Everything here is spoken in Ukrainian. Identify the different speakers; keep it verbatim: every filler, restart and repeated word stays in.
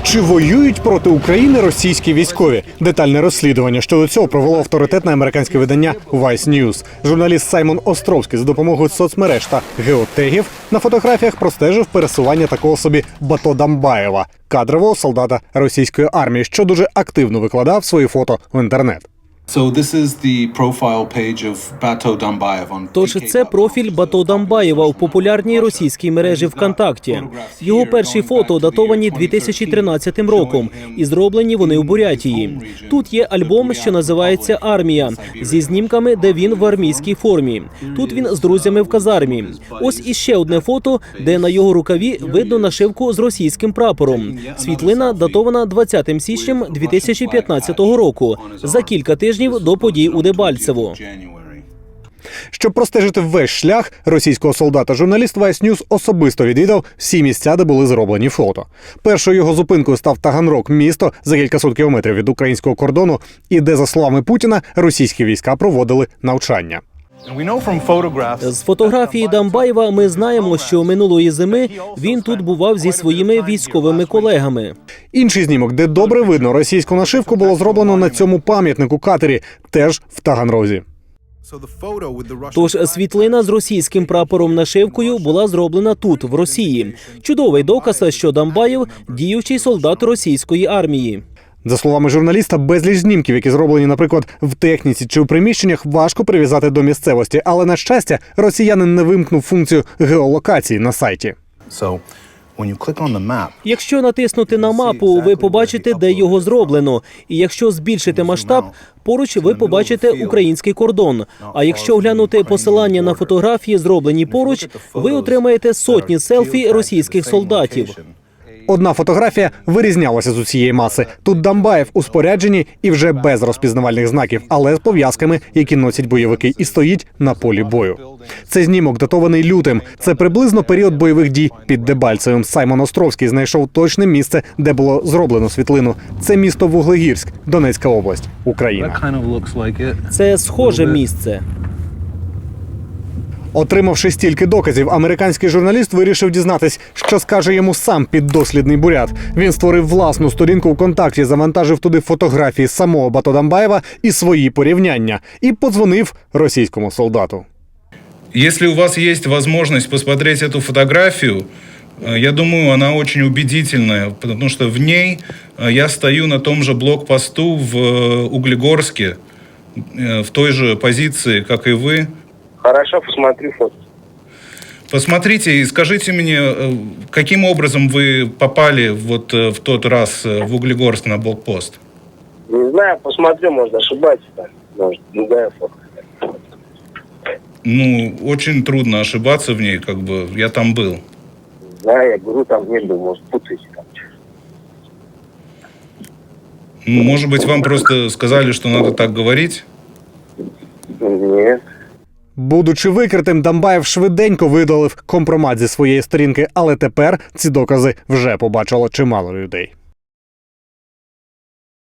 Speaker 1: Чи воюють проти України російські військові? Детальне розслідування щодо цього провело авторитетне американське видання Vice News. Журналіст Саймон Островський за допомогою соцмереж та геотегів на фотографіях простежив пересування такого собі Бато Дамбаєва, кадрового солдата російської армії, що дуже активно викладав свої фото в інтернет.
Speaker 2: Тож це профіль Бато Дамбаєва у популярній російській мережі ВКонтакті. Його перші фото датовані дві тисячі тринадцятим роком і зроблені вони у Бурятії. Тут є альбом, що називається «Армія», зі знімками, де він в армійській формі. Тут він з друзями в казармі. Ось іще одне фото, де на його рукаві видно нашивку з російським прапором. Світлина датована двадцятим січня дві тисячі п'ятнадцятого року, за кілька тижнів до подій у Дебальцево.
Speaker 1: Щоб простежити весь шлях російського солдата, журналіст Vice News особисто відвідав всі місця, де були зроблені фото. Першою його зупинкою став Таганрог, місто за кількасот кілометрів від українського кордону, і де, за словами Путіна, російські війська проводили навчання.
Speaker 2: З фотографії Дамбаєва ми знаємо, що минулої зими він тут бував зі своїми військовими колегами.
Speaker 1: Інший знімок, де добре видно російську нашивку, було зроблено на цьому пам'ятнику катері, теж в Таганрозі.
Speaker 2: Тож світлина з російським прапором-нашивкою була зроблена тут, в Росії. Чудовий доказ, що Дамбаєв – діючий солдат російської армії.
Speaker 1: За словами журналіста, безліч знімків, які зроблені, наприклад, в техніці чи у приміщеннях, важко прив'язати до місцевості. Але, на щастя, росіянин не вимкнув функцію геолокації на сайті.
Speaker 2: Якщо натиснути на мапу, ви побачите, де його зроблено. І якщо збільшити масштаб, поруч ви побачите український кордон. А якщо глянути посилання на фотографії, зроблені поруч, ви отримаєте сотні селфі російських солдатів.
Speaker 1: Одна фотографія вирізнялася з усієї маси. Тут Дамбаєв у спорядженні і вже без розпізнавальних знаків, але з пов'язками, які носять бойовики, і стоїть на полі бою. Це знімок датований лютим. Це приблизно період бойових дій під Дебальцевим. Саймон Островський знайшов точне місце, де було зроблено світлину. Це місто Вуглегірськ, Донецька область, Україна.
Speaker 2: Це схоже місце.
Speaker 1: Отримавши стільки доказів, американський журналіст вирішив дізнатись, що скаже йому сам піддослідний бурят. Він створив власну сторінку ВКонтакті, завантажив туди фотографії самого Бато Дамбаєва і свої порівняння. І подзвонив російському солдату.
Speaker 3: Якщо у вас є можливість посмотреть цю фотографію, я думаю, она очень убедительная, потому что в ней я стою на том же блокпосту в Углегорске, в той же позиции, как и вы.
Speaker 4: Хорошо, посмотрю фото.
Speaker 3: Посмотрите и скажите мне, каким образом вы попали вот в тот раз в Углегорск на блокпост?
Speaker 4: Не знаю, посмотрю, может, ошибаюсь. Может, другая фото.
Speaker 3: Ну, очень трудно ошибаться в ней, как бы, я там был.
Speaker 4: Не знаю, я говорю, там не был, может, путаете там.
Speaker 3: Ну, может быть, вам просто сказали, что надо так говорить?
Speaker 4: Нет.
Speaker 1: Будучи викритим, Дамбаєв швиденько видалив компромат зі своєї сторінки, але тепер ці докази вже побачило чимало людей.